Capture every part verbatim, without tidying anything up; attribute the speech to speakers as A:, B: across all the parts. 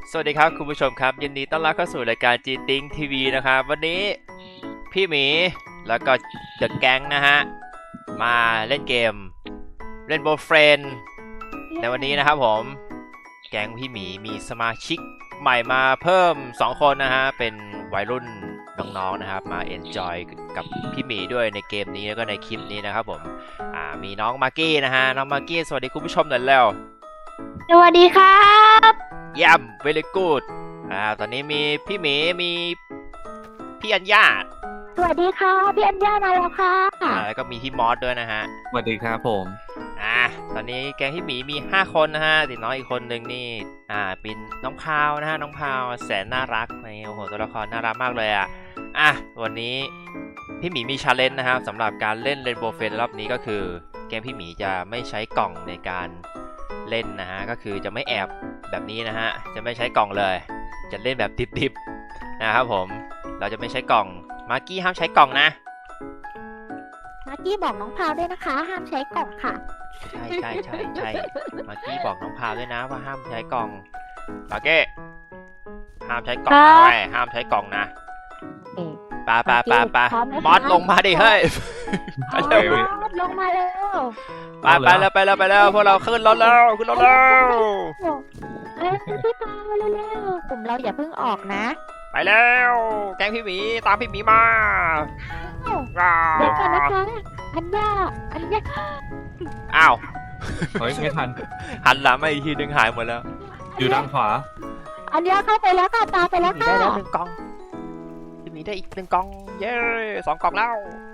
A: สวัสดีครับคุณผู้ชมครับยินดีต้อนรับเข้าสู่รายการ จี ติง ที วี นะครับวันนี้พี่หมีแล้วก็เดอะแก๊งนะฮะมาเล่นเกมเล่นโบว์เฟรนในวันนี้นะครับผมแก๊งพี่หมีมีสมาชิกใหม่มาเพิ่มสองคนนะฮะเป็นวัยรุ่นน้องๆนะครับมาเอนจอยกับพี่หมีด้วยในเกมนี้แล้วก็ในคลิปนี้นะครับผมอ่ามีน้องมากกี้นะฮะน้องมากกี้สวัสดีคุณผู้ชมหน่อยแล้ว
B: สวัสดีครับ
A: เยี่ยม very good อ่าตอนนี้มีพี่หมีมีพี่อัญญา
B: สวัสดีค่ะพี่อัญญามาแล้วค่ะ
A: อ่าแล้วก็มีพี่มอสด้วยนะฮะ
C: สวัสดีครับผม
A: อ่าตอนนี้แก๊งพี่หมีมีห้าคนนะฮะติดน้องอีกคนนึงนี่อ่าเป็นน้องพาวนะฮะน้องพาวแสนน่ารักในโอ้โหตัวละครน่ารักมากเลยอ่ะอ่ะวันนี้พี่หมีมีชาเลนจ์นะครับสำหรับการเล่นเรนโบว์เฟรนรอบนี้ก็คือแก๊งพี่หมีจะไม่ใช้กล่องในการเล่นนะฮะก็คือจะไม่แอบแบบนี้นะฮะจะไม่ใช้กล่องเลยจะเล่นแบบดิบๆนะครับผมเราจะไม่ใช้กล่องมาร์กี้ห้ามใช้กล่องนะ
B: มาร์กี้บอกน้องพาวด้วยนะคะห้ามใช้กล่องค่ะ
A: ใช่ใช่ใช่ใช่มาร์กี้บอกน้องพาวด้วยนะว่าห้ามใช้กล่องมาร์กี้ห้ามใช้กล่องนะเว้ยห้ามใช้กล่องนะปาปาปาปามอสลงมาดิเฮ้ย
B: มอสลงมาเร็ว
A: ไปไปแล้วไปแล้วไปแล้วพวกเราขึ้นรถแล้วขึ้นรถแล้ว
B: เอ้ยพี่พาวเร็วๆกลุ่มเราอย่าเพิ่งออกนะ
A: ไปแล้วแก๊งพี่หมีตามพี่หมีมา
B: เดี๋ยวก่อนนะคะอัญญาอัญญา
A: อ้าว
C: เฮ้ยไม่ทัน
A: หันหลังมาอีกทีนึงหายหมดแล้ว
C: อยู่ด้านขวา
B: อัญญาเข้าไปแล้วค่ะตาไปแล้วค่ะ
A: ได้แล้วหนึ่งกล่องพี่หมีได้อีกหนึ่งกล่องเย้สองกล่องแล้ว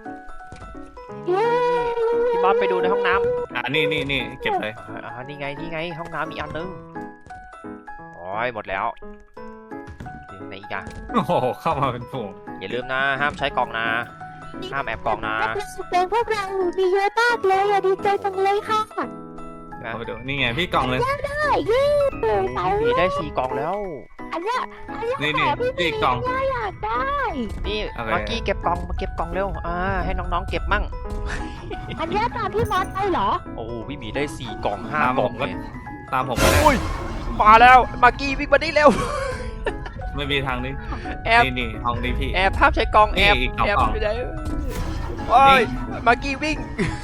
A: พี่มอสไปดูในห้องน้ำ
C: อ่านี่นี่นี่เก็บเลย
A: อ่านี่ไงนี่ไงห้องน้ำมีอันนึงโอ้ยหมดแล้วไหนอีกอะ
C: โอ้โหเข้ามาเป็นฝูง
A: อย่าลืมนะห้ามใช้กล่องนะห้ามแอบกล่องนะ
B: เป็นพวกเรามีเยอะมากเลยดีใจจังเลยค่ะ
C: เอาไปดูนี่ไงพี่กล่องเลย
B: ได้ยี่
A: พี่ได้สี่กล่องแล้ว
B: อันนี้
C: นี่นี่พี่กล่อง
B: อยากได้
A: นี่มากี้เก็บกล่องมาเก็บกล่องเร็วอ่าให้น้องๆเก็บมั่ง
B: อันนี้ตามพี่มอสไปเหรอ
A: โอ้พี่หมีได้สี่กล่องห้ากล่อง
C: ก็ตามผมก็ได้
A: มาแล้วมากี้วิ่งมาได้เร็ว
C: ไม่มีทางนี้
A: แอบ
C: นี่นี่ห้องนี้พี่
A: แอบภาพใช้กล่องแอบแอบไปไหนโอ้ยมากี้วิ่ง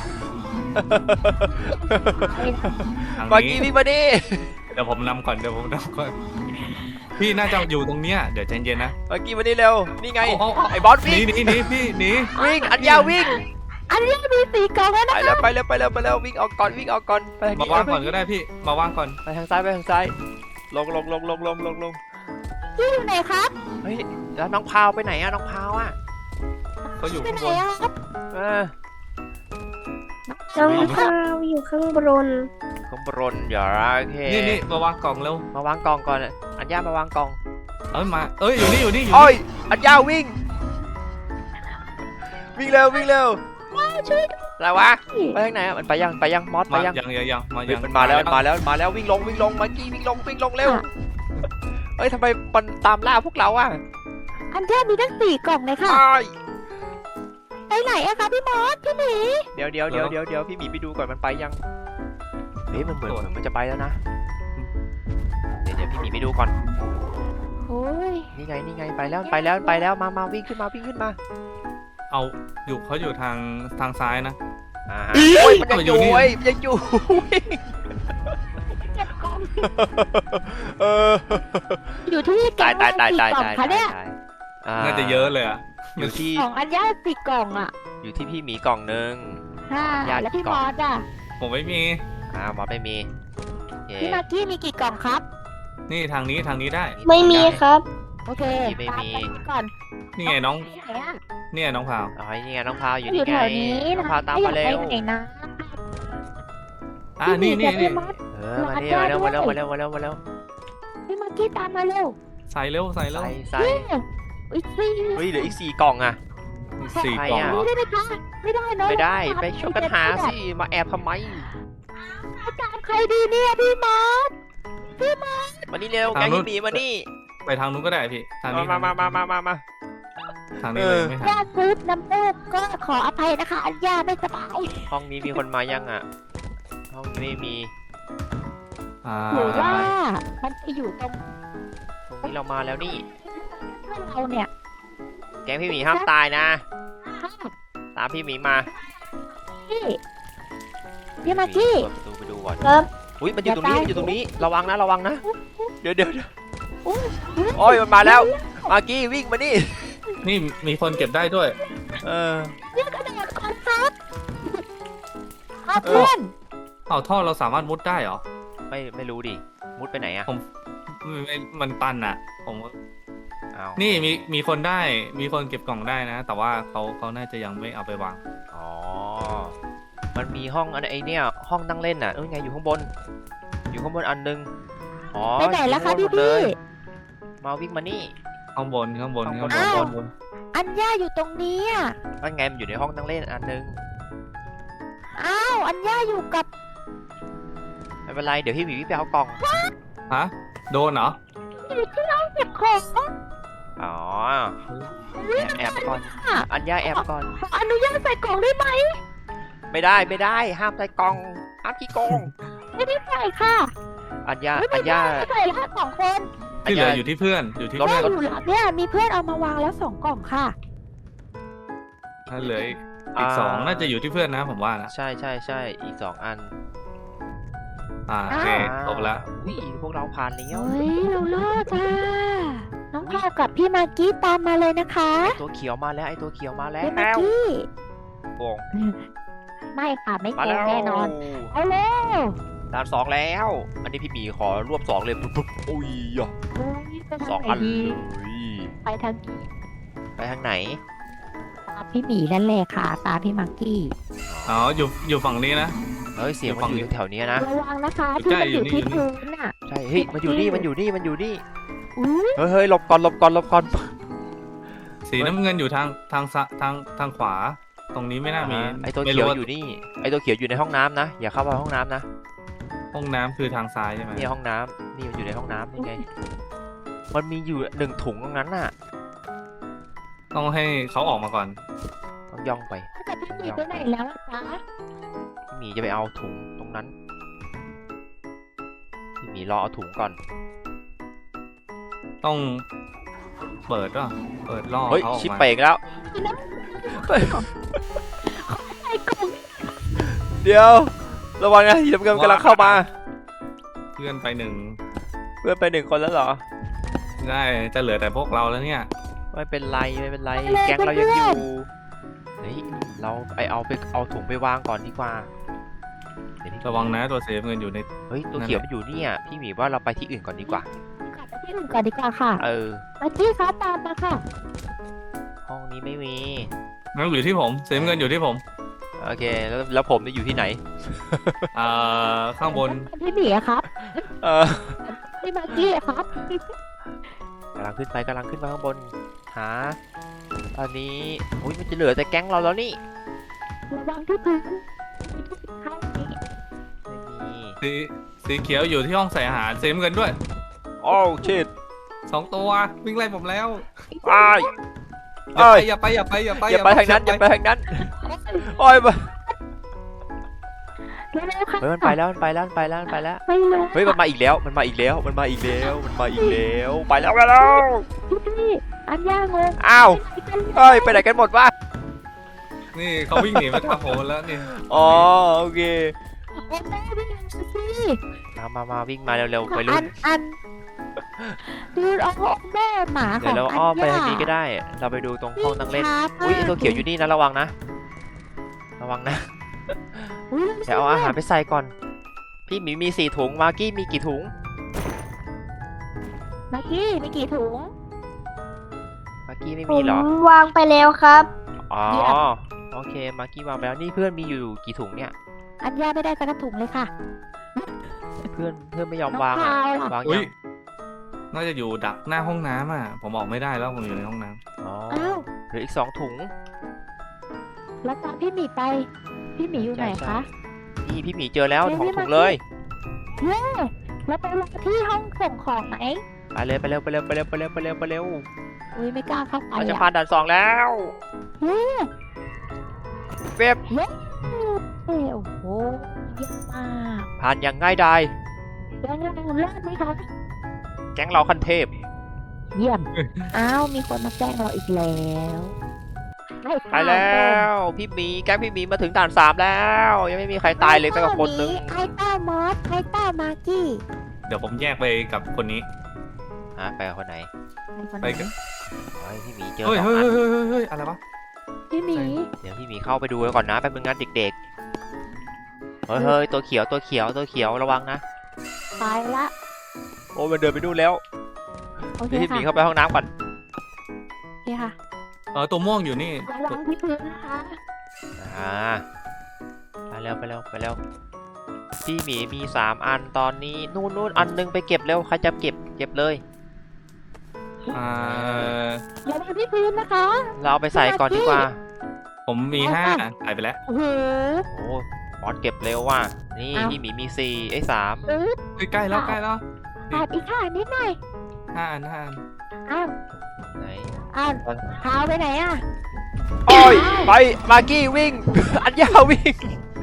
A: มากี้วิ่งมาดิ
C: เดี๋ยวผมนำก่อนเดี๋ยวผมนำก่อนพี่น่าจะอยู่ตรงเนี้ยเดี๋ยวใจเย็นนะ
A: มากี้มาดิเร็วนี่ไงไอ้บอสวิ่ง
C: หนีหนีพี่หนี
A: วิ่งอันยาวิ่ง
B: อันนี้มีสี่กล่องแล้วนะ
A: ไปแล้วไปแล้วไปแล้วไปแล้ววิ่งออกก่อนวิ่งออกก่อนไป
C: มาวางก่อนก็ได้พี่มาวางก่อน
A: ไปทางซ้ายไปทางซ้ายลงลงลงลงลงลงลง
B: พี่อยู่ไหนครับ
A: เฮ้ยแล้วน้องพาวไปไหนอะน้องพาวอะ
C: เขาอยู่ข้างบน
B: ครับ
A: เออ
B: น้องพาวอยู่ข้างบน
A: ข้างบนอย่าโอเค
C: นี่นี่มาวางกล่องเร็ว
A: มาวางกล่องก่อนอัญญามาวางกล่อง
C: เอ้ยมาเอ้ยอยู่นี่อยู่นี่อยู่
A: นี่อัญญาวิ่งวิ่งเร็ววิ่งเร็ว
B: ช่วย
A: อะไรวะไปทางไหนมันไปยังไปยังมอสไปยัง
C: ยังยังยังมายัง
A: มันมาแล้วมาแล้วมาแล้ววิ่งลงวิ่งลงมากี้วิ่งลงวิ่งลงเร็วเฮ้ยทำไมมันตามล่าพวกเราอ่ะ
B: อันเดียมีตั้งสี่กล่องเลยค่ะไปไหนอะคะพี่มอสพี่หมี
A: เดี๋ยวเดี๋ยวเดี๋ยวเดี๋ยวเดี๋ยวพี่หมีไปดูก่อนมันไปยังเฮ้ยมันเหมือนมันจะไปแล้วนะเดี๋ยวเดี๋ยวพี่หมีไปดูก่อน
B: โอ้ย
A: นี่ไงนี่ไงไปแล้วไปแล้วไปแล้วมามาวิ่งขึ้นมาวิ่งขึ้นมา
C: เอาอยู่เขาอยู่ทางทางซ้ายนะ
A: อ่าโอ้ยมันยังอยู่เว้ยยังอยู่
B: อยู่ที่แกงสี่กล่องคะเนี่ย
C: น่าจะเยอะเลยอ่ะ
A: อยู่ที่
B: ของอันยาสี่กล่องอ่ะ
A: อยู่ที่พี่หมีกล่องนึง
B: ยาแล้วพี่มอสอ่ะ
C: ผมไม่มี
A: อ่ามอสไม่มี
B: พี่มากกี้มีกี่กล่องครับ
C: นี่ทางนี้ทางนี้ได้
B: ไม่มีครับโอเค
A: ไม่มี
B: ก่อน
C: นี่ไงน้องนี่ไงน้องพาว
A: อ๋อนี่ไงน้องพาวอยู่นี่ไงน้องพาวตามมาเร็ว
C: อ่านี่นี่นี่
A: เออมาเร็วมาเร็วมาเร็วมาเร็วมาเร็วมาเร็ว
B: พี่มากกี้ตามมาเร็ว
C: ใส่เร็วใส่เร็ว
A: ใส่
B: อีกสี่
A: เฮ้ยเหลืออีกสี่กล่องอ่ะ
C: สี่กล่อง
B: ไม่ได้ไหมคะไม่ได้เนาะ
A: ไม่ได้ไปช่วยกันหาสิมาแอบทำไม
B: อาจารย์ใครดีเนี่ยพี่มอสพี่มอส
A: มานี่เร็วแกงพี่หมีมานี่
C: ไปทางนู้นก็ได้พี่ทางนี้
A: มามามามามามา
C: ทางนี้เลยไม่ทัน
B: ญาติซื้อน้ำมูกก็ขออภัยนะคะอัญญาไม่สบาย
A: ห้องนี้มีคนมายังอ่ะห้องนี้ไม่มี
B: หรือว่ามันมีอยู่ตรง
A: ตรงนี้เรามาแล้วนี่
B: เราเนี่ย
A: แก๊งพี่หมีห้ามตายนะ
B: ค่ะ
A: ตามพี่หมีมา
B: พี่พี่มากกี้
A: เปิดประตูไปดูก่อน
B: ครับ
A: อุ้ยมันอยู่ตรงนี้
B: อย่าตาย
A: มันอยู่ตรงนี้ ระวังนะ ระวังนะ เดี๋ยวเดี๋ยวเดี๋ยว
B: อุ้ย
A: โอ้ยมันมาแล้ว มากกี้วิ่งมานี่
C: นี่มีคนเก็บได้ด้วย
A: เออ
B: เรียกกระโดดก่อนครับเอาเพื่อน
C: เอาท่อเราสามารถมุดได้เหรอ
A: ไม่ไม่รู้ดิ มุดไปไหนอะ
C: ผม ไม่ไม่มันตันอ่ะ ผม
A: อ้าว
C: นี่มีมีคนได้ มีคนเก็บกล่องได้นะ แต่ว่าเขาเขาน่าจะยังไม่เอาไปวาง
A: อ๋อ มันมีห้องอันไอเนี่ยห้องนั่งเล่นน่ะเอ้ยไงอยู่ข้างบน อยู่ข้างบนอันนึง อ๋อ
B: ไปไหนแล้วคะ
A: อยู่
B: พี่
A: ข้างบนหมดเล
B: พี่
A: ยมาวิ่งมานี่
C: ข้างบนข้างบน
A: ข้างบ
C: ข้าน งบน
B: อ้าว
C: ข้างบน
B: อัญญาอยู่ตรงนี้อ่ะ
A: นั่นไงมันอยู่ในห้องนั่งเล่นอันนึง
B: อ้าวอัญญาอยู่กับ
A: ไม่เป็นไร เดี๋ยวพี่หมีวิ่งไปเอากล่อง
C: ฮะ โดนเหรอ
B: อยู่ที่ห้องเก็บของ
A: อ๋อ แอบแอบก่อน อัญญาแอบก่อน
B: ขออนุญาตใส่กล่องได้ไหม
A: ไม่ได้ไม่ได้ ห้ามใส่กล่อง ห้ามขี้โกง
B: ไม่ได้ใส่ค่ะ
A: อัญญา
B: ไม่
A: อั
B: ได้
A: ญญา
B: ใส่ละสองคน
C: ที่เหลืออยู่ที่เพื่อน อยู่ที่
A: รถ
C: เพื่
B: แม่
C: อน
B: อยู่หลังเนี่ยมีเพื่อนเอามาวางแล้วสองกล่องค่ะ
C: ถ้าเหลืออีกอีกสองน่าจะอยู่ที่เพื่อนนะผมว่านะ
A: ใช่ใช่ใช่อีกสองอัน
C: อ่าโอเคครบแล้ว
A: อุ้ยพวกเราผ่านแล้ว
B: เฮ้ยเราเลิกอ่ะน้องพาวกับพี่มากกี้ตามมาเลยนะคะ
A: ไอตัวเขียวมาแล้วไอตัวเขียวมาแล้
B: พี่มาก
A: ว
B: กี้
A: โกง
B: ไม่ค่ะไม่
A: มา
B: โก
A: แล้
B: ง
A: ว
B: แน่นอนเอาเร็ว
A: ด่านสองแล้ว อันนี้พี่หมีขอรวบสองเลยปุ๊บปุ๊บอุ้ยอ่ะ
B: เฮ้ยไป
A: ส
B: ทา
A: อง ง
B: ไหน
A: อัน
B: ดี
A: เลย
B: ไปทาง
A: ไปทางไหน
B: ตามพี่หมีนั่นแหละค่ะ ตามพี่มากกี้
C: อ๋ออยู่อยู่ฝั่งนี้นะ
A: เฮ้ยเสียงมันอยู่แถวๆเนี้ยนะ
B: ระวังนะคะ
C: อยู่
B: ที่
C: ใกล้
B: มันอยู่
C: อยู่
B: ที่
C: นี่
B: พื้นอ่ะ
A: ใช่ เฮ้ย มันอยู่นี่ มันอยู่นี่ มันอยู่นี่
B: อุ้ย
A: เฮ้ยเฮ้ยหลบก่อนหลบก่อนหลบก่อน
C: สีน้ำเงินอยู่ทางทางซ้ายทางทางขวา ตรงนี้ไม่น่ามี
A: อ่าไอตัว
C: ไม่
A: เขียว
C: รู้า
A: อยู่นี่ ไอตัวเขียวอยู่ในห้องน้ำนะ อย่าเข้าไปห้องน้ำนะ
C: ห้องน้ำคือทางซ้ายใช่ไหม
A: นี่ห้องน้ำนี่มันอยู่ในห้องน้ำนี่ไง มันมีอยู่หนึ่งถุงตรงนั้นน่ะ
C: ต้องให้เขาออกมาก่อน
A: ต้องย่องไป
B: แต่พี่หมีไปไหนแล้วล่ะจ๊ะ
A: พี่หมีจะไปเอาถุงตรงนั้น พี่หมีรอเอาถุงก่อน
C: ต้องเปิดว่ะเปิดล่อ
A: เฮ้ย
C: เขาออก
A: ชิป
C: มา
A: เปกแล้ว
B: ใส่กล่อง
A: เดี๋ยว ระวังนะทีมเงินกำลังเข้ามา
C: เพื่อนไปหนึ่ง
A: เพื่อนไปหนึ่งคนแล้วเหรอ
C: ได้จะเหลือแต่พวกเราแล้วเนี่ย
A: ไม่เป็นไรไม่เป็นไร แก๊งเรายังอยู่ เฮ้ย เราไปเอาไปเอาถุงไปวางก่อนดีกว่าเดี๋ยวพี่
C: ระวังนะตัวเซฟเงินอยู่ใน
A: เฮ้ย ตัวเขียวมันอยู่เนี่ย พี่หมีว่าเราไปที่อื่นก่อนดีกว่า
B: กลับไปที่อื่นก่อนดีกว่าค่ะ
A: เออ
B: มากกี้คะตามมาค่ะ
A: ห้องนี้ไม่มี
C: งั้นอยู่ที่ผมเซฟเงินอยู่ที่ผม
A: โอเค แล้วแล้วผมจะอยู่ที่ไหน
C: อ่าข้างบน
B: พี่หมีอะครับ
A: เออ
B: พี่มากกี้อะครับ
A: กำลังขึ้นไปกำลังขึ้นมาข้างบน หา ตอนนี้อุ้ยมันจะเหลือแต่แก๊งเราแล้วนี่
B: ระวังที่พื้นข้างนี้
A: ไม่มี
C: สีสีเขียวอยู่ที่ห้องใส่อาหารเซฟเงินด้วย
A: โอ้ชิด
C: สองตัววิ่งไล่ผมแล้ว
A: ไอ้าย
C: อย่าไปอย่าไปอย่าไป
A: อย่าไปทางนั้นอย่าไปทางนั้นโอ้ยไป
B: เร็วๆค่ะ
A: เฮ้ยมันไปแล้วมันไปแล้วมันไปแล้วมันไปแล้ว
B: ไม่รู้
A: เฮ้ยมันมาอีกแล้วมันมาอีกแล้วมันมาอีกแล้วมันมาอีกแล้วไปแล้วไปแล้ว
B: พี่พี่อันย่างง
A: อ้าวเฮ้ยไปไหนกันหมดวะ
C: นี่เขาวิ่งหนีมาทางโหนแล้วนี่
A: อ๋อโอเค
B: โอ้แม่วิ่งเร็วสิ
A: มามามาวิ่งมาเร็วๆไป
B: อั
A: รุ่น
B: นอันดูเอาแม่หมาข
A: เดี๋
B: อย ง
A: วเรา
B: อัน
A: อ้อมไป
B: ย่า
A: ทางนี้ก็ได้ เราไปดูตรงห้องนั่งเล่น
B: ช้า
A: อุ้ยไอ
B: มาก
A: ตัวเขียวอยู่นี่นะระวังนะระวังนะ
B: อุ๊ย
A: เดี๋ยวเอาอาหารไปใส่ก่อน พี่หมีมีสี่ถุงมากกี้มีกี่ถุง
B: มากกี้มีกี่ถุง
A: มากกี้ไม่
D: ผ
A: มี
D: ม
A: เหรอ
D: วางไปแล้วครับ
A: อ๋อ
B: เยี่ยม
A: โอเคมากกี้วางไปแล้วนี่เพื่อนมีอยู่กี่ถุงเนี่ย
B: อันย่าไม่ได้สักถุงเลยค่ะ
A: เพื่อนเพื่อนไม่ยอม
B: น้อง
A: วาง
B: พา
A: อะ
B: วล่ะ
A: วาง
C: อุ้
A: ยั
C: ย
A: ง
C: น่าจะอยู่ดักหน้าห้องน้ำอ่ะผมออกไม่ได้แล้วผมอยู่ในห้องน้
A: อ๋อ
B: อ้าว
A: เหลืออีกสองถุง
B: แล้วตามพี่หมีไป พี่หมีอยู่ไหน
A: ใช่
B: คะ
A: นี่พี่หมีเจอแล้ว
B: เจอ
A: สอง
B: พี่
A: ถุง
B: มากกี้
A: เลย
B: เย้แล้วไปรอที่ห้องส่งของไหม
A: ไปเลยไปเร็วไปเร็วไปเร็วไปเร็วไปเร็วไปเร็ว
B: อุ้ยไม่กล้าเข้าไป
A: เราจะ
B: อ่ะ
A: ผ่านด่านสองแล้ว
B: เย้
A: เว็บ
B: เย้โอ้โหเยี่ยมมาก
A: ผ่านอย่างง่ายดาย
B: แล้วเราเลิศไหมคะ
A: แก๊งเราขั้นเทพ
B: เยี่ยม อ้าว มีคนมาแกล้งเราอีกแล้วไม่
A: ไปแล้วพี่หมีแก๊งพี่หมีมาถึงด่านสามแล้ว ยังไม่มีใครตายเลยสักคนนึง
B: ไอ้ต้ามอสไอ้ต้ามากี้
C: เดี๋ยวผมแยกไปกับคนนี้
A: ฮะไปกับคนไหน
C: ไปกับ
A: เฮ้ยพี่หมีเจอ
C: เฮ้ย
A: สอง
C: เฮ้ย
A: อัน
C: เฮ้ยเฮ้ยเฮ้ยอะไรวะ
B: พี่หมี
A: เดี๋ยวพี่หมีเข้าไปดูก่อนนะแป๊บนึงนะเด็กๆเฮ้ยเฮ้ยตัวเขียวตัวเขียวตัวเขียวระวังนะ
B: ตายละ
A: โอ้มันเดินไปนู่นแล้ว
B: โอเค
A: เดี๋ยวพี่หมี
B: ค่ะ
A: เข้าไปห้องน้ำก่อน
B: โอเคค่ะ
C: เออตัวม่วงอยู่นี่
B: ระวังที่พื้นนะคะ
A: อ่าไปแล้วไปแล้วไปแล้วพี่หมีมีสามอันตอนนี้นู่นนู่นอันนึงไปเก็บเร็วใครจะเก็บเก็บเลย
C: อ่า
B: ระวังที่พื้นนะคะ
A: เราเอาไปใส่ก่อนดีกว่า
C: ผมมีห้าหายไปแล้ว
B: โอ้โห
A: โอ้บอสเก็บเร็วว่ะนี่
B: อ้าว
A: พี่หมีมีสี่ไอ้ยสาม
B: เออ
C: เฮ้ยใกล้แล้วใกล้แล้ว
B: ขาดอีกค่ะนิดหน่อย
C: ห้าอันห้าอัน
B: อ้าว
A: ไหน
B: อ้าวเท้าไปไหนอ่ะ
A: โอ้ยไปมากกี้วิ่ง อันยาววิ่ง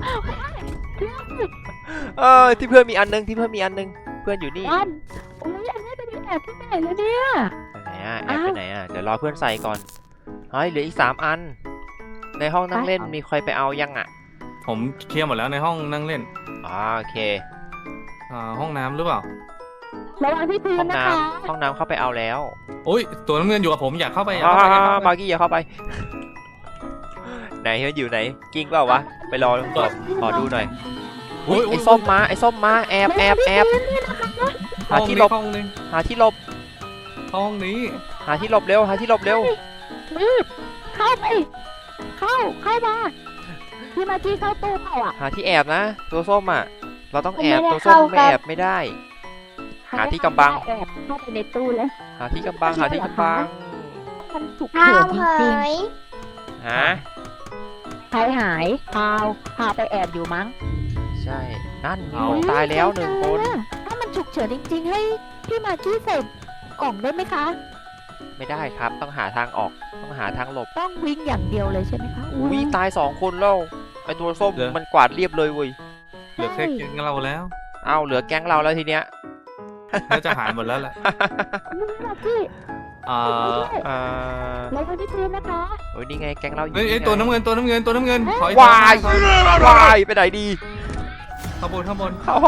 A: เออที่เพื่อนมีอันนึงที่เพื่อนมีอันนึงเพื่อนอยู่นี่
B: อันโอ้ยอันนี้จะไปแอบที่ไหนแล้วเนี่ย
A: ไปไหนอ่ะแอบ
B: อ้าว
A: ไปไหนอ่ะเดี๋ยวรอเพื่อนใส่ก่อนเฮ้ยเหลืออีกสามอัน ในห้องนั่งเล่นมีใครไปเอายังอ่ะ
C: ผมเคลียร์หมดแล้วในห้องนั่งเล่น
A: อ๋อโอเค
C: อ่าห้องน้ำหรือเปล่า
B: ระวังที่พื้
A: ห้
B: น
A: อง
B: นะ
A: น้
B: คะ
A: ำห้องน้ำเข้าไปเอาแล้ว
C: โอ้ยตัวน้ำเงินอยู่กับผมอยากเข้าไปอยาก
A: อ่า
C: เข้าไปอยากเข้าไป
A: บาร์กี้อย่าเข้าไป ไหนมันอยู่ไหนกิ้งเปล่าวะไปรอขอขอดูหน่อยอุ้ยไอ้ส้มมาไอ้ส้มมาแอบแอบแอบหาที่หลบ
C: ห้องนี้
A: หาที่หลบ
C: ห้องนี้
A: หาที่หลบเร็วหาที่หลบเร็ว
B: รีบเข้าไป เข้า เข้ามาพี่มากี้เข้าตู้เปล่าอ่ะ
A: หาที่แอบนะ ตัวส้มอ่ะ เราต้องแอบ
D: ไม่ได้
A: ตัวส้ม
D: เข้า
A: ไม่
D: ครับ
A: แอบไม่ได้ หาที่กำบัง
B: แอบเข้าไปในตู้แล้ว
A: หาที่กำบังหาที่กำบัง
B: มันฉุก
D: ข้า
B: เฉิ
D: วน
B: จ
D: เผ
B: ริง
D: ย
A: ฮะ
B: ๆใครหายพาวพาไปแอบอยู่มั้ง
A: ใช่นั่นมีคนตายแล้วหนึ่งคน
B: ถ้ามันฉุกเฉินจริงๆ ให้พี่มากกี้ใส่กล่องได้ไหมคะ
A: ไม่ได้ครับต้องหาทางออกต้องหาทางหลบ
B: ต้องวิ่งอย่างเดียวเลยใช่ไหมคะ
A: วิ่งตายสองคนแล้วไอตัวส้มมันกวาดเรียบเลยเว้ย
C: เหลือแค่เกียงเราแล้ว
A: เอ้าเหลือแก๊งเราแล้วทีเนี้ย
C: น่าจะหายหมดแล้วแหละ
B: พี่มากกี้
C: อ่า
A: อ่า
B: ลงมาที่พื้นนะคะ
A: โอ้ยนี่ไงแก๊งเราอยู่
C: เฮ้ยเอ้ย
A: ไง
C: ตัวน้ำเงินตัวน้ำเงินตัวน้ำเงินถอย
A: วาย
C: ถอยถอย
A: วายไปไหนดี
C: ข้างบนข้างบน
A: เอ้า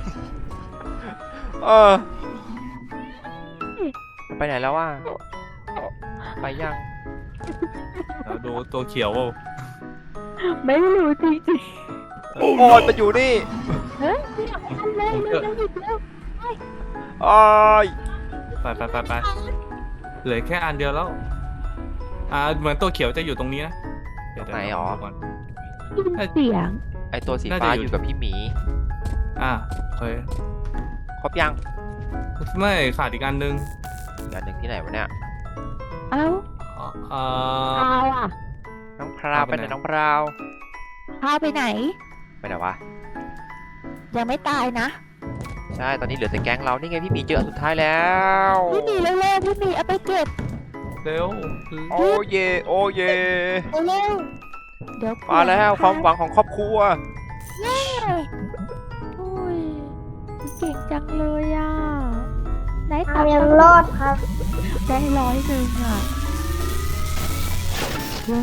A: เออไปไหนแล้ววะไปยัง
C: เดี๋ยวดูตัวเขียว
B: ไม่รู้จริง
A: โอ้ยมันอยู่นี่
B: ๆเฮ้ยอันเลยเลยเลยหยุดแล้ว
A: โอ้ย
C: ไปไปไปไปเหลือแค่อันเดียวแล้ว อ่าเหมือนตัวเขียวจะอยู่ตรงนี้นะเดี๋ยวเดี๋ยว
A: ไหนหรอ
C: ดูก่อน
B: ยินเสียง
A: ไอตัวสี
C: น่าจะ
A: ฟ้า
C: อยู่
A: อยู่กับพี่หมี
C: อ่าเคย
A: ครบยัง
C: ไม่ขาดอีกอันนึง
A: อีกอันหนึ่งที่ไหนวะเนี่ย
B: เอ้า
C: อ่าอ่า
B: พาวอ่ะ
A: น้องพราวไปไหนน้องพราว
B: พาวไปไหน
A: ไปไหนวะ
B: ยังไม่ตายนะ
A: ใช่ตอนนี้เหลือแต่แก๊งเรานี่ไงพี่หมีเจออันสุดท้ายแล้ว
B: พี่หมีเร็วๆพี่หมีเอาไปเก็บ
C: เร็ว
A: โอ้เยโอ้เย
B: เร็วๆเดี๋ยว
A: มาแล้วความหวังของครอบครัว
B: โอ้ยเก่งจังเลยอ่ะไหน
D: ข้า
B: ตาว
D: ยังรอดครับ
B: ได้ร้อยหนึ่งอ่ะเย้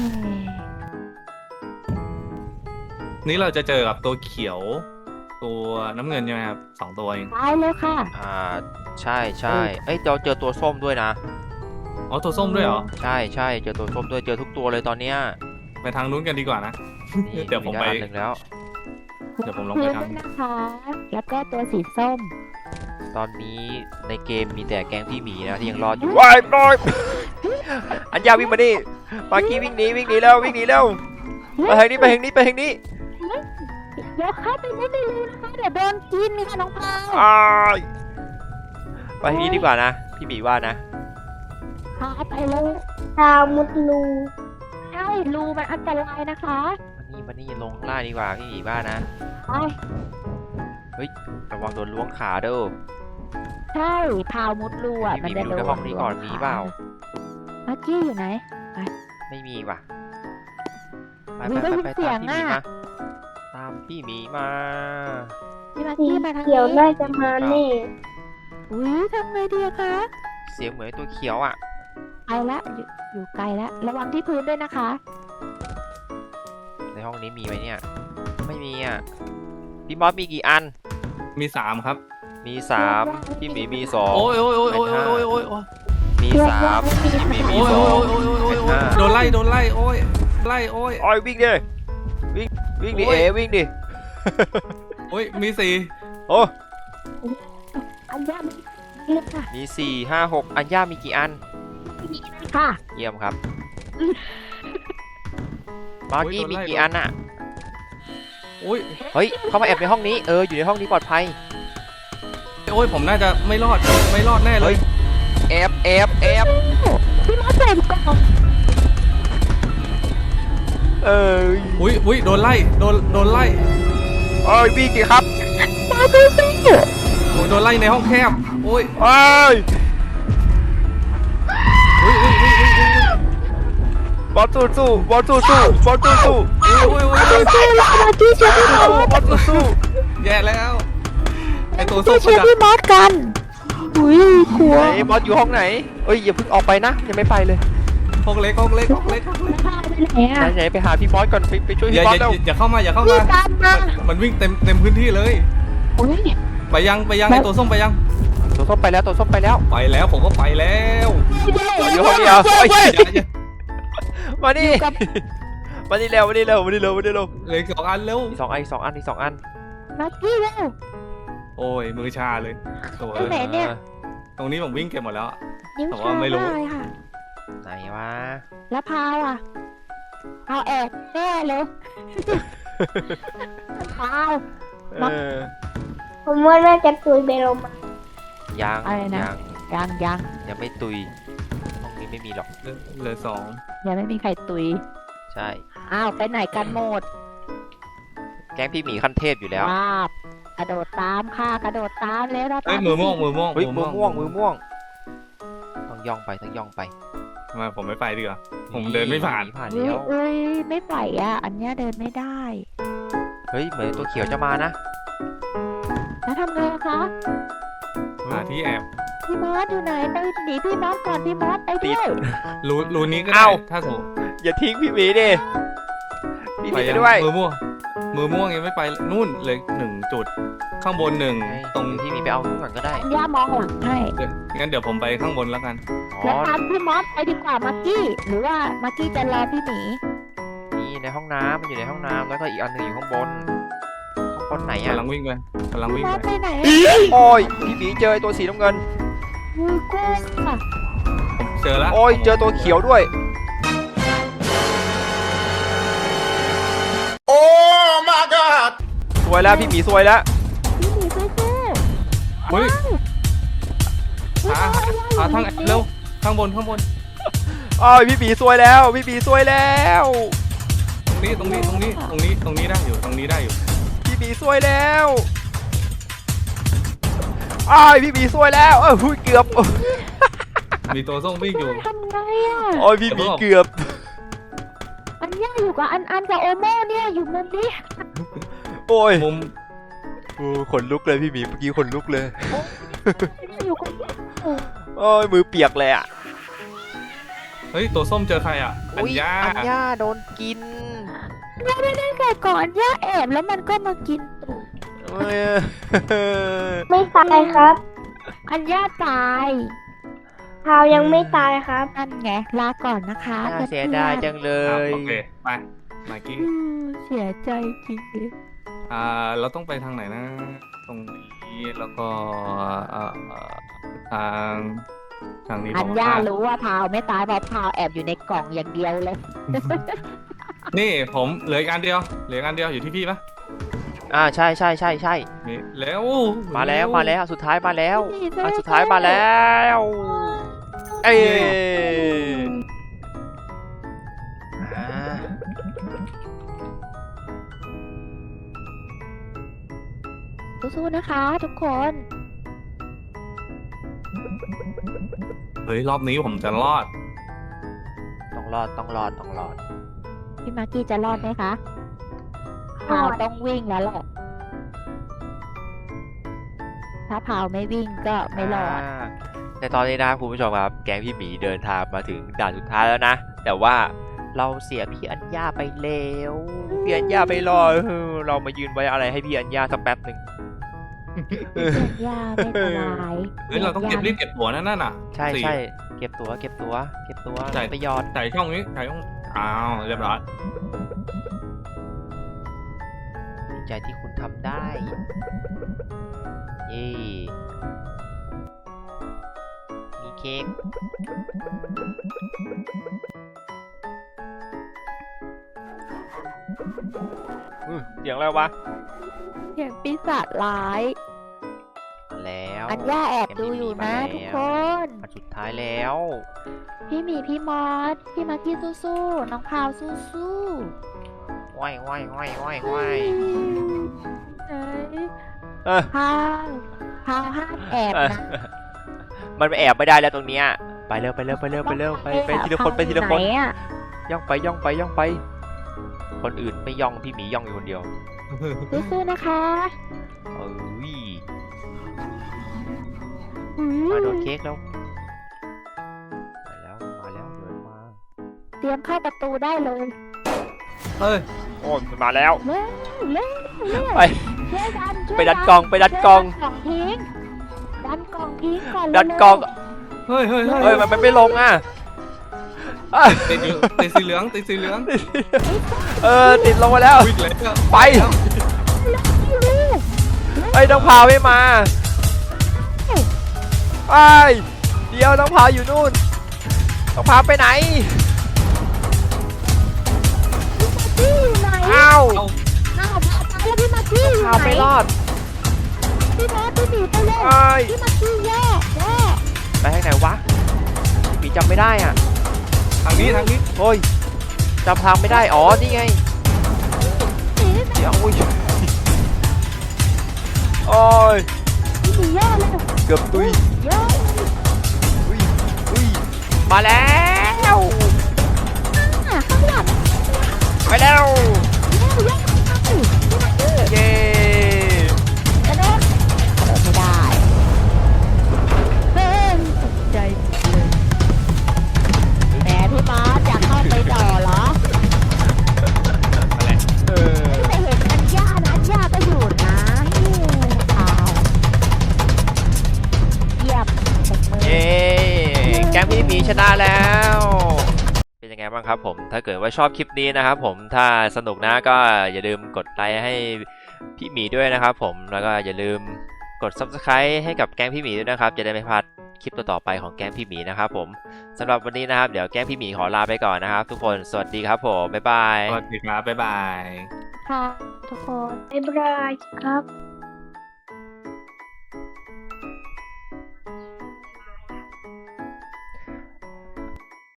C: นี่เราจะเจอกับตัวเขียว ตัวน้ำเงินใช่ไหมครับสองตัวเอง
B: ตายแล้วค่ะ
A: อ่าใช่ใช่เอ้ยเราเจอตัวส้มด้วยนะ
C: อ๋อตัวส้มด้วยเหรอ
A: ใช่ใช่เจอตัวส้มด้วยเจอทุกตัวเลยตอนเนี้ย
C: ไปทางนู้นกันดีกว่านะ
A: นี่
C: เดี๋ยวผมไป
A: ด้อันหนึ่งแล้ว
C: เดี๋ยวผมลงไปทำ
B: พื้นนะคะ แล้วก็ตัวสีส้ม
A: ตอนนี้ในเกมมีแต่แก๊งพี่หมีนะที่ยังรอดอยู่ว้ายปล่อยอันยาวิ่งมาดิปากี้วิ่งหนีวิ่งหนีแล้ววิ่งหนีแล้วไปทางนี้ไปทางนี้ไปทางนี้
B: เดี๋ยวเข้าไปไม่ได้เลยนะคะเดี๋ยวโดนกินค่ะน้องพาว
A: อ้ายไปทางนี้ดีกว่านะพี่หมีว่านะ
B: พาไปเลย
D: ชาวมุดลู
B: ใช่รูมันอันตรายนะคะ
A: มานี่มานี่ลงข้างล่างดีกว่าพี่หมีว่านะ
B: ไป
A: ระวังโดนล้วงขาเด้อ
B: ใช่พาวมุดรูอ่ะ
A: พี่
B: มัน
A: หมี
B: จะ
A: ไป
B: โด
A: ดูในห้องนี้ก่อนมีเปล่า
B: เมื่อกี้อยู่ไหน
A: ไม่มีว่ะไป
B: มี
A: ไป
B: ได้ยิน
A: ไป
B: เสีย
A: ตาง มพี่หมี
B: อะ
A: มาตามพี่หมีมา
B: พี่มา
D: สี
B: กี้มาทาง
D: เขียว
B: นี้
D: น่าจะมาแน่
B: อุ้ยทำไงดีอะคะ
A: เสียงเหมือนตัวเขียวอ่ะ
B: ไกลละอยู่อยู่ไกลละระวังที่พื้นด้วยนะคะ
A: ในห้องนี้มีไหมเนี่ย ไม่มีอ่ะ พี่มอสมีกี่อัน
C: มีสามครับ
A: มีสามพี่หมีมีสอง
C: โอ้ยโอ้ยโอ้ยโอ้ยโอ้ยโอ้ยโอ้ย
A: มีสามพี่หมีมี
C: โอ้ย
A: สอ
C: โอ้
A: ง
C: ยโอ้ยโอ้ย
A: เป็น
C: โอ้ย
A: ห้า
C: โดนไล่โดนไล่โอ้ยไล่โอ้ย
A: โอ้ยวิ่งดิวิ่งวิ่งดิ
C: โอ้
A: เอย วิ่งดิ
C: โอ้ยมีสี่
A: โอ้
B: อันยาไม่เลือกค่ะ
A: มีสี่ห้าหกอันย่ามีกี่อัน
B: ค่ะ
A: เยี่ยมครับมาร์กี้มีกี่อันอ่ะ
C: โอ้ย
A: เฮ้ยเข้ามาแอบในห้องนี้เอออยู่ในห้องนี้ปลอดภัย
C: โอ้ยผมน่าจะไม่รอดไม่รอดแน่เลย
A: แอบแอบแอบ
B: พี่มอสใส่กล่อง
A: เออ
C: อุ้ยอุ้ยโดนไล่โดนโดนไล่
A: โอ้ยวิ่งดิครับ
B: มาดูสิ
C: โอ้ยโดนไล่ในห้องแคบโอ้ย
A: โอ้ย
C: อุ้ยอุ้ยอุ้ยอุ้ยอุ้ย
A: บอลสู้สู้บอลสู้สู้บอลสู้สู้
C: อุ้ยอุ้ยอุ้ย
B: ดูสิเรามาที่เชียร์พี่มอส
A: บอลสู้สู้
C: แย่แล้วไอตัวส้
B: ที่
C: ม
B: เชียร์
C: ประดับ
B: พี่มอสกันอุ้ยกลัว
A: ไหนบอลอยู่ห้องไหนเอ้ยอย่าเพิ่งออกไปนะยังไม่ไปเลย
C: ห้องเล็กห้องเล็กห้องเล็กห้องเล็ก
B: พาไปไหน
A: ไหน
B: อ่ะ
A: ไหนไปหาพี่บอสก่อนไปไปช่วย
C: อย่า
A: พี่บอ
C: อ
A: ส
C: ย่า
A: แล้ว
C: อย่าเข้ามาอย่าเข้า
B: พี่
C: มา
B: ตามมา
C: มันวิ่งเต็มเต็มพื้นที่เลย
B: อุ้ย
C: ไปยังไปยังไอตัวส้มไปยัง
A: ตัวส้มไปแล้วตัวส้มไปแล้ว
C: ไปแล้วผมก็ไปแล้ว
A: อยู่ห้องนี้เหรอเฮ้ย
C: อย่าอย่า
A: มานี่มานี่เร็วมานี่เร็วมานี่เร็วมานี่เร็ว
C: เหลยสองอันเร็ว
A: อีกสองอันอีกสองอันอีกสองอัน
B: มากี้แล้ว
C: โอ้ยมือชาเลยโอ้ย
B: ไปไหนเนี่ย
C: ตรงนี้ผมวิ่งเก็บหมดแล้ว
B: นิ้ว
C: แต่
B: ชา
C: ว่าไม่รู้
B: ได้ค่ะ
A: ไหนวะ
B: แล้วพาวอ่ะพาวแอบแน่เลยพาว
A: เออ
D: ผมว่าน่าจะตุยเบโลมา
A: ยัง
B: อะไรนะ
A: ยัง
B: ยังยัง
A: ยังไม่ตุยห้องนี้ไม่มีหรอก
C: เหลือเหลือสอง
B: ยังไม่มีใครตุย
A: ใช่
B: อ้าวไปไหนกันหมด
A: แก๊งพี่หมีขั้นเทพอยู่แล้ว
B: ว้าบกระโดดตามค่ะกระโดดตามแล้วเรา
C: เอ้ย
B: ตาม
C: มือม่วงมือม่วง
A: เฮ้ยมือม่วงมือม่วงต้องย่องไปต้องย่องไป
C: ทำไมผมไม่ไปดีกว่า ผมเดินไม่ผ่าน
A: ผ่าน
B: เฮ้
A: แล้
B: ยว เอ้ยไม่ไหวอ่ะ อันเนี้ยเดินไม่ได้
A: เฮ้ยเหมือนตัวเขียวจะมานะ
B: แล้วทำไงอะคะ
C: หาที่แอบ
B: พี่มอสอยู่ไหนไปหนีพี่มอสก่อนพี่มอสไปด้วย
C: รูรูนี้ก็ได้
A: เอ้า
C: ถ้าถูก
A: อย่าทิ้งพี่หมีดิพี่ห
C: ไป
A: มีไป
C: ยัง
A: ด้วย
C: มือม่วงมือม่วงยังไม่ไปนู่นเลยหนึ่งจุด ข้างบนหนึ่งตรง
A: พี่หมีไปเอานู้นก่อนก็ได้
B: ย่ามองหลังให้
C: เดี๋ยวงั้นเดี๋ยวผมไปข้างบนแล้วกัน
A: อ๋อ
B: แล้วตามพี่มอสไปดีกว่ามักกี้ หรือว่ามักกี้จะรอพี่หมี
A: นี่ในห้องน้ำมันอยู่ในห้องน้ำแล้วก็อีกอันหนึงอยู่ข้างบนข้างบนไหนอะ
C: กำลังวิ่งไปกำลัง
B: พี่
C: วิ่ง
B: มอส
C: ไป
B: ไปไหน
A: โอ้ยพี่หมีเจอไอ้ตัวสีน้ำเงิน
B: มือกุ้งค่ะ
C: ผมเจอแล้ว
A: โอ้ยเจอตัวเขียวด้วย
E: โอ้ my god
A: สวยแล้วพี่หมีสวยแล้ว
B: พี่หมีสู้สู้
C: เฮ้ยหาหาหาทางแอบเร็วข้างบนข้างบน
A: โอ้ยพี่หมีสวยแล้วพี่หมีสวยแล้ว
C: ตรงนี้ตรงนี้ตรงนี้ตรงนี้ตรงนี้ได้อยู่ตรงนี้ได้อยู่
A: พี่หมีสวยแล้วโอ้ยพี่หมีสวยแล้วเออหุ้ยเกือบ
C: มีตัวส้มวิ่งอยู่
B: ทำไงอ่ะ
A: โอ้ยพี่หมีเกือบ
B: อันย่าอยู่กับอันอันกับโอโม่เนี่ยอยู่มุมนี้
A: โอ้ย
C: มุม
A: โอ้ขนลุกเลยพี่หมีเมื่อกี้ขนลุกเลย
B: อยู่กับ
A: โอ้ยมือเปียกเลยอ่ะ
C: เฮ้ยตัวส้มเจอใครอ่ะอัญญา
A: อัญญาโดนกิน
B: ไม่ได้ได้แต่ก่อนย่าแอบแล้วมันก็มากินตูด
A: เอ้ย
D: ไม่ตายครับ
B: อันย่าตาย
D: พาวยังไม่ตายครับ
B: นั่นไงลาก่อนนะคะ
A: น่าเสียดายจังเล
C: อ่ะ
A: ย
C: โอเคไปมากี้
B: อืมเสียใจจริงเลย
C: อ่าเราต้องไปทางไหนนะ ตรงนี้แล้วก็อ่าอ่าทางทางนี้
B: อั
C: บ
B: น
C: อก
B: ย่า
C: ว่า
B: รู้ว่าพาวไม่ตายเพราะพาวแอบอยู่ในกล่องอย่างเดียวเลย
C: นี่ผมเหลืออีกอันเดียวเหลืออีกอันเดียวอยู่ที่พี่ปะ
A: อ่าใช่ใช่ใช่ใช่
C: นี่แล้ว
A: มาแล้วมาแล้วสุดท้ายมาแล้ว
B: นี่
A: อันสุดท้ายมาแล้วเอ้ยอ่า
B: สู้ๆนะคะ ทุกคน
C: เฮ้ยรอบนี้ผมจะรอด
A: ต้องรอดต้องรอดต้องรอด
B: พี่มากกี้จะรอดไหมคะพาวต้องวิ่งแล้วแหละถ้าพาวไม่วิ่งก็ไม่รอด
A: าแต่ตอนนี้นะครับคุณผู้ชมครับแก๊งพี่หมีเดินทางมาถึงด่านสุดท้ายแล้วนะ แต่ว่าเราเสียพี่อัญญาไปแล้วพี่อัญญาไปรอเออเรามายืนไว้อะไรให้พี่อัญญาสักแป๊บหนึ่ง
B: ยาไม่สบาย
C: เฮ้ยเราต้องเก็บรีบเก็บตั๋วนั่นน่ะ
A: ใช่
C: สี่
A: ใช่เก็บตัวเก็บตัวเก็บตัว
C: ใช่
A: ไปหยอด
C: ใส่ช่องนี้ใส่ช่องอ้าวเรียบร้อย
A: ดีใจที่คุณทำได้เย้มีเค้กอื้อเสียงอะไรวะ
B: เสียงปีศาจร้าย
A: มาแล้ว
B: อัญญาแอบดูอยู่นะทุกคน
A: มาสุดท้ายแล้ว
B: พี่หมีพี่มอสพี่มาร์กี้สู้ๆน้องพาวสู้
A: ว้ายว้ายว้ายว้าย
B: ๆ
A: ว้าย
B: เฮ้ย
A: เออ
B: พาวพาวห้ามแอบ
A: เออ
B: นะ
A: มันแอบไม่ได้แล้วตรงเนี้ยไปเร็วไปเร็วไปเร็วไปเร็วไปไปทีละคนไปทีละคน
B: ไหอะ
A: ย่องไปย่องไปย่องไป คนอื่นไม่ย่องพี่หมีย่องอยู่คนเดียว
B: สู้ๆนะคะ
A: เอ้ย
B: อื
A: มาโดนเค้กแล้วมาแล้วมาแล้วเดินมา
B: เตรียมเข้าประตูได้เลย
C: เฮ้ย
A: โอ้ยมันมาแล้ว
B: เร็วเร็วเร็ว
A: ไป
B: ช่วยดันช่วย
A: ไปดันกล่องไปดันกล่อง
B: ช่วยดันกล่องทิ้งดันกล่องทิ้งก่อน
A: ดันกล่อง
C: เฮ้ยเฮ้ยเฮ้ย
A: เฮ้ยมันมันไม่ลงอ่ะอ่ะ
C: ติดอยู่ติดสีเหลืองติดสีเหลือง
A: เออติดลงมาแล้ว
C: วิ่งเลยก็
A: ไปไอ้ยน้องพาวไม่มาไอ้ยเดี๋ยวน้องพาวอยู่นู่นน้องพาวไปไหน
B: พี่อยู่ไหน
A: อ้าว
C: เอา
B: อ้าวพาตายแล้วพี่มากี้อยู่
A: พาว
B: ไหน
A: ไม่รอด
B: พี่มอสพี่หมีไปเลย
A: ไอ้ย
B: พี่มากี้แย่แย่
A: ไปทางไหนวะพี่จำไม่ได้อ่ะ
C: ทางนี้ทางนี้
A: โอ้ยจำทางไม่ได้อ๋อนี่ไง
B: หนี
A: เดี๋ยวอุ้ยโอ้ย
B: พี่หมีแย่เลย
A: เกือบตุย
B: แย่
A: อุ้ยอุ้ยมาแล้ว
B: อ่ะข้างหลัง
A: ไปแล้ว
B: แย่แย่พี่มากี้
A: เย้
B: กระโดดกระโดดไม่ได้เฮ้ยตกใจเลยแหมพี่มอสอยากเข้าไปต่อเหรอ
C: อะไร
A: เออ
B: แต่เห็นอัญญานะอัญญาก็อยู่นะเฮ้ยอ้าวเยี่ยมตบมือ
A: เย้แก๊งพี่หมีชนะแล้ว เป็นยังไงบ้างครับผมถ้าเกิดว่าชอบคลิปนี้นะครับผมถ้าสนุกนะก็อย่าลืมกดไลค์ให้พี่หมีด้วยนะครับผมแล้วก็อย่าลืมกด ซับสไครบ์ ให้กับแก๊งพี่หมีด้วยนะครับจะได้ไม่พลาดคลิปต่อๆไปของแก๊งพี่หมีนะครับผมสำหรับวันนี้นะครับเดี๋ยวแก๊งพี่หมีขอลาไปก่อนนะครับทุกคนสวัสดีครับผมบ๊ายบาย
C: สวัสดีครับบ๊ายบาย
B: ค่ะทุกคน
D: บ๊ายบายครับ